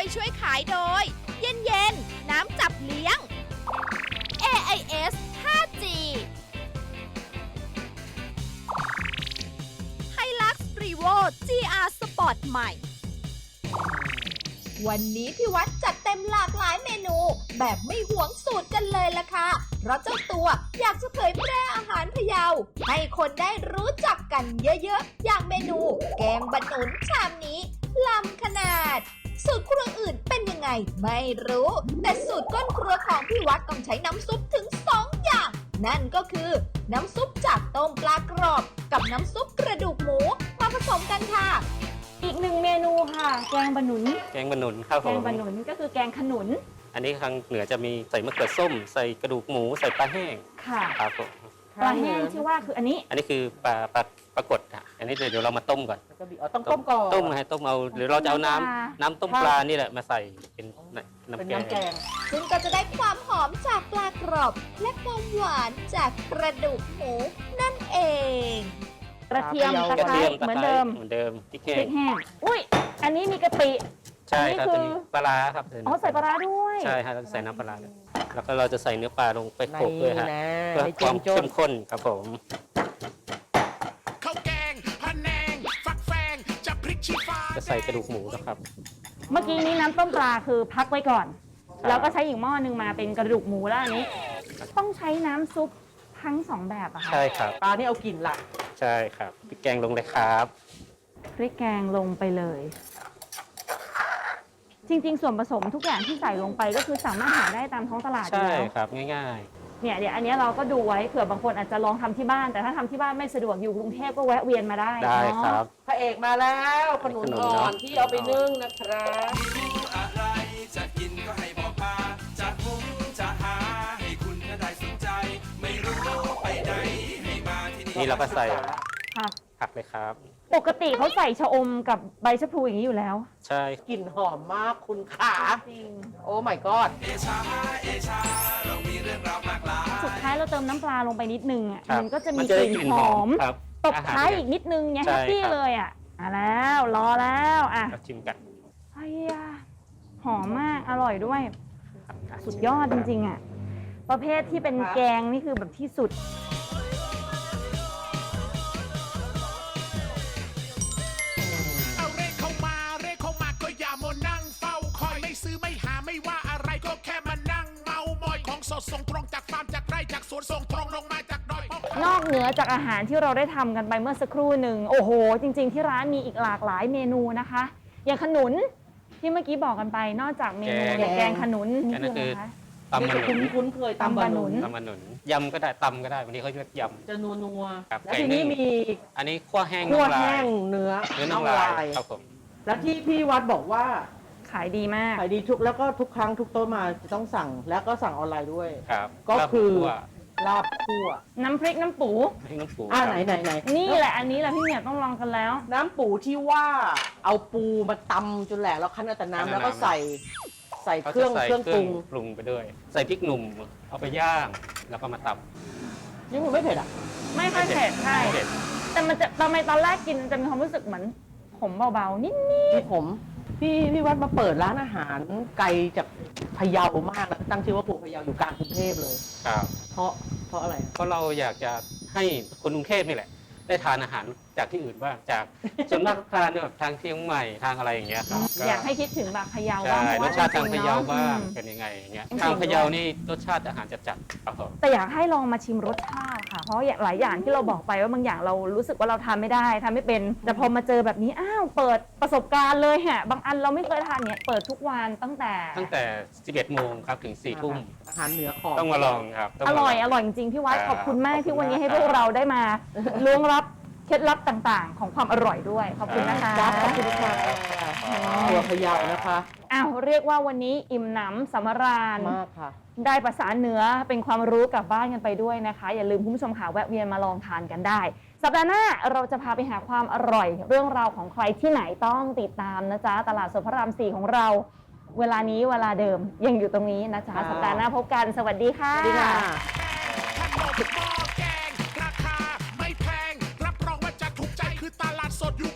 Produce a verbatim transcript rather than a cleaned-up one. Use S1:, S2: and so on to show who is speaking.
S1: ช่วยขายโดย เย็นเย็นน้ำจับเลี้ยง เอ ไอ เอส ห้าจี Hilux Revo จี อาร์ Sport ใหม่วันนี้พี่วัดจัดเต็มหลากหลายเมนูแบบไม่หวงสูตรกันเลยล่ะค่ะเพราะเจ้าตัวอยากจะเผยแพร่อาหารพะเยาให้คนได้รู้จักกันเยอะๆอย่างเมนูแกงบะหนุนชามนี้ล้ำขนาดสูตรครัวอื่นเป็นยังไงไม่รู้แต่สูตรก้นครัวของพี่วัดต้องใช้น้ำซุปถึงสองอย่างนั่นก็คือน้ำซุปจากต้มปลากรอบกับน้ำซุปกระดูกหมูมาผสมกันค่ะ
S2: อีกหนึ่งเมนูค่ะแกงบะหนุน
S3: แกงบะหนุนครับผม
S2: แกงบะหนุนก็คือแกงขนุน
S3: อันนี้ทางเหนือจะมีใส่มะเขือส้มใส่กระดูกหมูใส่ปลาแห้ง
S2: ค่ะ
S3: ครับผม
S2: ปลาแห้งที่ว่าคืออันนี้
S3: อันนี้คือปลาปลาปลากดอ่ะอันนี้เดี๋ยวเรามาต้มก่อน
S4: ต้องต้มก่อน
S3: ต้มให้ต้มเอาหรือเราจะเอาน้ำน้ำต้มปลานี่แหละมาใส่เป็นน้ำแกง
S1: ซึ่งก็จะได้ความหอมจากปลากรอบและความหวานจากกระดูกหมูนั่นเอง
S2: กระเทียมตะไคร้เหมือนเดิม
S3: เหมือนเดิมพริกแห้ง
S2: พริกแห้งอุ้ยอันนี้มีกะปิ
S3: ใช่ครับเป็นปลาครับ
S2: อ๋อใส่ปลาด้วย
S3: ใช่ครับใส่น้ำปลาแล้วก็เราจะใส่เนื้อปลาลงไปโขลกด้วยฮะเพื่อความเข้มข้นครับผม
S5: ข้าวแกงพะแนงฟักแฟงจะพริกชี้ฟ้า
S3: จะใส่กระดูกหมูนะครับ
S2: เมื่อกี้นี้น้ำต้มปลาคือพักไว้ก่อนแล้วก็ใช้อีกหม้อหนึ่งมาเป็นกระดูกหมูแล้วอันนี้ต้องใช้น้ำซุปทั้งสองแบบอะค่ะ
S3: ใช่ครับ
S4: ปลานี่เอากลิ่นหลัก
S3: ใช่ครับพริกแกงลงเลยครับ
S2: พริกแกงลงไปเลยจริงๆส่วนผสมทุกอย่างที่ใส่ลงไปก็คือสามารถหาได้ตามท้องตลาดอยู่แล้ว
S3: ใช่ครับง่าย
S2: ๆเนี่ยเดี๋ยวอันนี้เราก็ดูไว้เผื่อบางคนอาจจะลองทำที่บ้านแต่ถ้าทำที่บ้านไม่สะดวกอยู่กรุงเทพก็แวะเวียนมาได้
S3: ได้ครับ
S4: พระเอกมาแล้วขนุนอ่อนที่เอาไปนึ่งนะครับ
S5: อะไรจะกินก็ให้บอกมาจะหุงจะหาให้คุณได้สนใจไม่รู้ไปไหนให้มาที่นี่
S3: นี่เราก็ใส่
S2: ผัก
S3: ผักเลยครับ
S2: ปกติเขาใส่ชะอมกับใบชะพลูอย่างนี้อยู่แล้ว
S3: ใช่
S4: กลิ่นหอมมากคุณขาจริงโอ้ my god
S5: เอชาเอชาเรามีเรื่องราวมากมาย
S2: สุดท้ายเราเติมน้ำปลาลงไปนิดนึงอ่ะมันก็จะมีกลิ่นหอมตบท้ายอีกนิดนึงเนี่ยแฮปปี้เลยอ่ะมาแล้วรอแล้วอ่ะ
S3: ชิมกัน
S2: ไอ้ยาหอมมากอร่อยด้วยสุดยอดจริงๆอ่ะประเภทที่เป็นแกงนี่คือแบบที่สุด
S5: ซื้อไม่หาไม่ว่าอะไรก็แค่มานั่งเมามอยของสดส่งตรงจากฟาร์มจากไร่จากสวนส่งตรงลงมาจากดอย
S2: นอกเหนือจากอาหารที่เราได้ทำกันไปเมื่อสักครู่หนึ่งโอ้โหจริงๆที่ร้านมีอีกหลากหลายเมนูนะคะอย่างขนุนที่เมื่อกี้บอกกันไปนอกจากเมนูแกงขนุนนี่คืออะไรคะ
S3: ตำบะหนุน
S4: คุ้นเคยตำบะหนุน
S3: ตำบะหนุนยำก็ได้ตำก็ได้วันนี้เขาเรียกยำ
S4: จะนัวนัว
S3: แล้ว
S4: ทีนี้มี
S3: อันนี้ขั้วแห้ง
S4: ขั้วแห้งเนื้อ
S3: เนื้อน่องลายครับผม
S4: แล้วที่พี่วัดบอกว่า
S2: ขายดีมาก
S4: ขายดีทุกแล้วก็ทุกครั้งทุกโต๊ะมาจะต้องสั่งแล้วก็สั่งออนไลน์ด้วย
S3: ครับ
S4: ก็คือลาบคั่ว
S2: น้ำพริกน้ำปู
S3: น้ำปู
S4: อ่าไหนไหนไหน
S2: นี่แหละอันนี้แหละพี่เหมียวต้องลองกันแล้ว
S4: น้ำปูที่ว่าเอาปูมาตำจนแหลกแล้วคั้นเอาแต่น้ำแล้วก็ใส่ใส่เครื่องเครื่องปรุง
S3: ปรุงไปด้วยใส่พริกหนุ่มเอาไปย่างแล้วก็มาตำ
S4: นี่มันไม่เผ็ดอ่ะ
S2: ไม่ค่อยเผ็ดใช่แต่มันจะทำไมตอนแรกกินจะมีความรู้สึกเหมือนขมเบาๆนิด
S4: ๆผมพี่พี่วัดมาเปิดร้านอาหารไกลจากพะเยามากแล้วตั้งชื่อว่าปูพะเยาอยู่กลางกรุงเทพเลย
S3: ครับ
S4: เพราะเพราะอะไร
S3: เพราะเราอยากจะให้คนกรุงเทพนี่แหละได้ทานอาหารจากที่อื่นบ้างจากส่วนมากทานแบบทางเชียงใหม่ทางอะไรอย่างเงี้ยครับ
S2: อยากให้คิดถึงแบบพะเยา
S3: บ้างรสชาติทางพะเยาบ้างเป็นยังไงอย่างเงี้ยทางพะเยานี่รสชาติอาหารจัดๆครับผม
S2: แต่อยากให้ลองมาชิมรสชาติค่ะเพราะหลายอย่างที่เราบอกไปว่าบางอย่างเรารู้สึกว่าเราทานไม่ได้ทานไม่เป็นแต่พอมาเจอแบบนี้อ้าวเปิดประสบการณ์เลยฮะบางอันเราไม่เคยทานเนี่ยเปิดทุกวันตั้งแต่
S3: ตั้งแต่สิบเอ็ดโมงครับถึงสี่ทุ่ม
S4: อาหารเหนือของ
S3: ต้องมาลองครับ
S2: อร่อยอร่อยจริงๆพี่วัดขอบคุณมากที่วันนี้ให้พวกเราได้มาล้วงลับเคล็ดลับต่างๆของความอร่อยด้วยขอบคุณนะคะ
S4: ขอบคุณค่ะตัวพะเยานะคะ
S2: อ้าวเรียกว่าวันนี้อิ่มหนำสำราญ
S4: มากค่ะ
S2: ได้ภาษาเหนือเป็นความรู้กลับบ้านกันไปด้วยนะคะอย่าลืมคุณผู้ชมค่ะแวะเวียนมาลองทานกันได้สัปดาห์หน้าเราจะพาไปหาความอร่อยเรื่องราวของใครที่ไหนต้องติดตามนะจ๊ะตลาดสดพระรามสี่ของเราเวลานี้เวลาเดิมยังอยู่ตรงนี้นะจ๊ะสัปดาห์หน้าพบกันสวัสดีค่ะ
S4: สวัสดีค่ะ
S5: ตลาดสดอยู่